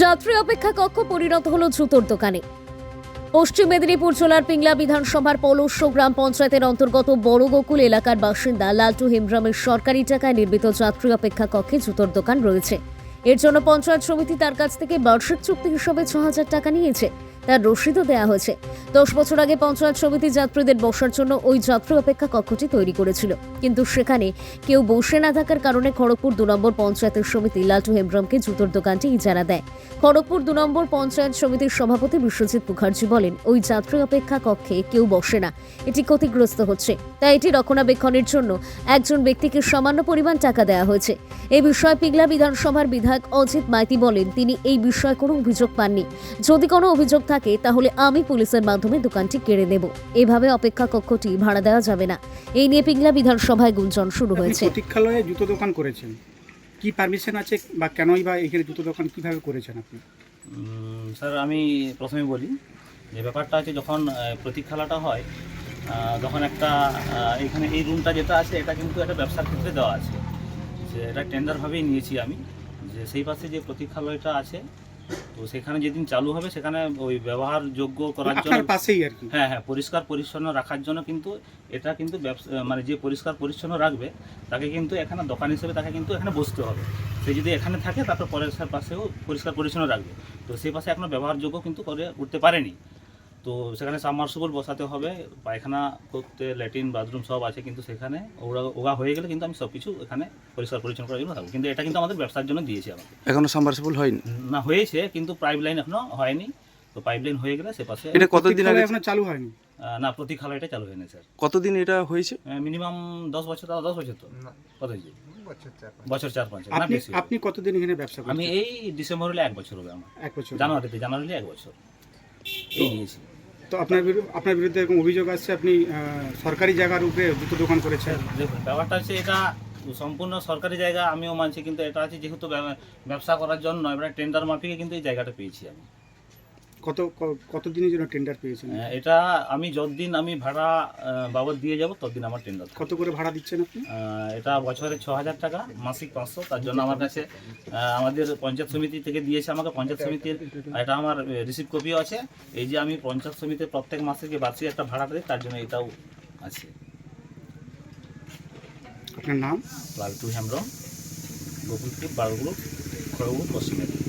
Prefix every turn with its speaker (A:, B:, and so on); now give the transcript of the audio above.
A: যাত্রী অপেক্ষা কক্ষ পরিণত হলো জুতোর দোকানে। পশ্চিম মেদিনীপুর জেলার পিংলা বিধানসভার পলস্য গ্রাম পঞ্চায়েতের অন্তর্গত বড় গোকুল এলাকার বাসিন্দা লালটু হেমব্রমের সরকারি টাকায় নির্মিত যাত্রী অপেক্ষা কক্ষে জুতোর দোকান রয়েছে। এর জন্য পঞ্চায়েত সমিতি তার কাছ থেকে বার্ষিক চুক্তি হিসেবে ৬,০০০ টাকা নিয়েছে। তার রসিদও দেওয়া হয়েছে। 10 বছর আগে পঞ্চায়েত সমিতি যাত্রীদের বসার জন্য ওই যাত্রী অপেক্ষা কক্ষটি তৈরি করেছিল, কিন্তু সেখানে কেউ বসে না থাকার কারণে খড়গপুর 2 নম্বর পঞ্চায়েতের সমিতি লালটু হেমব্রমকে জুতোর দোকানটি ইজারা দেয়। খড়গপুর 2 নম্বর পঞ্চায়েত সমিতির সভাপতি বিশ্বজিৎ মুখার্জি বলেন, ওই যাত্রী অপেক্ষা কক্ষে কেউ বসে না, এটি ক্ষতিগ্রস্ত হচ্ছে, তাই এটি রক্ষণাবেক্ষণের জন্য একজন ব্যক্তিকে সামান্য পরিমাণ টাকা দেওয়া হয়েছে। এই বিষয়ে পিংলা বিধানসভার বিধায়ক অজিত মাইতি বলেন, তিনি এই বিষয়ে কোনো অভিযোগ পাননি। যদি কোনো অভিযোগ থাকে তাহলে আমি পুলিশের মাধ্যমে দোকানটি কেড়ে নেব। এভাবে অপেক্ষা কক্ষটি ভাড়া দেওয়া যাবে না। এই নিয়ে পিংলা বিধানসভায় গুঞ্জন শুরু হয়েছে।
B: প্রতীক্ষালয়ে জুতো দোকান করেছেন, কি পারমিশন আছে বা কেনই বা এখানে জুতো দোকান কিভাবে করেছেন আপনি?
C: স্যার, আমি প্রথমে বলি যে ব্যাপারটা আছে, যখন প্রতীক্ষালয়টা হয় তখন একটা এখানে এই রুমটা যেটা আছে এটা কিন্তু একটা ব্যবসার ক্ষেত্রে দেওয়া আছে, যে এটা টেন্ডারভাবেই নিয়েছি আমি, যে সেই পাশে যে প্রতীক্ষালয়টা আছে তো সেখানে যেদিন চালু হবে সেখানে ওই ব্যবহারযোগ্য করার জন্য
B: পাশেই আর কি,
C: হ্যাঁ পরিষ্কার পরিচ্ছন্ন রাখার জন্য কিন্তু এটা কিন্তু ব্যবসা মানে যে পরিষ্কার পরিচ্ছন্ন রাখবে তাকে কিন্তু এখানে দোকান হিসেবে তাকে কিন্তু এখানে বসতে হবে। সে যদি এখানে থাকে তারপর পরের পাশেও পরিষ্কার পরিচ্ছন্ন রাখবে। তো সেই পাশে এখনও ব্যবহারযোগ্য কিন্তু করে উঠতে পারেনি। তো সেখানে সাবমার্সিবল বসাতে হবে, পায়খানা করতে ল্যাট্রিন বাথরুম সব আছে, কিন্তু সেখানে ওগা হয়ে গেলে কিন্তু আমি সব কিছু এখানে পরিষ্কার পরিচ্ছন্ন করার জন্য থাকবো। কিন্তু এটা কিন্তু আমাদের ব্যবসার জন্য দিয়েছি আমাকে।
D: এখনো সাবমার্সিবল হয়নি?
C: না, হয়েছে কিন্তু পাইপ লাইন এখনো হয়নি। তো পাইপ লাইন হয়ে গেলে সে পাশে
D: এটা কতদিন আগে
B: এখনো চালু হয়নি?
C: না, প্রতীক্ষালয়টা চালু হয়নি স্যার।
D: কতদিন এটা হয়েছে?
C: মিনিমাম 10 বছর। 10 বছর তো কত হয়েছে? বছর 4-5। না বেশি।
B: আপনি কতদিন এখানে ব্যবসা করেন?
C: আমি এই ডিসেম্বর হলে 1 বছর হবে আমার।
B: 1 বছর।
C: জানুয়ারি হলে 1 বছর এই নিয়েছি।
B: তো আপনার বিরুদ্ধে এরকম অভিযোগ আসছে আপনি সরকারি জায়গার উপরে জুতো দোকান করেছেন।
C: দেখুন, ব্যাপারটা হচ্ছে এটা সম্পূর্ণ সরকারি জায়গা, আমিও মানছি, কিন্তু এটা আছে যেহেতু ব্যবসা করার জন্য এবার টেন্ডার মাফিকে কিন্তু এই জায়গাটা পেয়েছি আমি।
B: কতদিনের জন্য টেন্ডার পেয়েছেন?
C: এটা আমি যতদিন আমি ভাড়া বাবদ দিয়ে যাব ততদিন আমার টেন্ডার।
B: কত করে ভাড়া দিচ্ছেন আপনি?
C: এটা বছরে 6,000 টাকা, মাসিক 500। তার জন্য আমার কাছে আমাদের পঞ্চায়েত সমিতি থেকে দিয়েছে আমাকে। পঞ্চায়েত সমিতির এটা আমার রিসিভ কপিও আছে। এই যে আমি পঞ্চায়েত সমিতির প্রত্যেক মাসে যে বার্ষিক একটা ভাড়া দিই তার জন্য এটাও আছে।
B: আপনার নাম?
C: লালটু হেমব্রম, গোকুলপুর, বারগুলো, খড়গপুর, পশ্চিম মেদিনীপুর।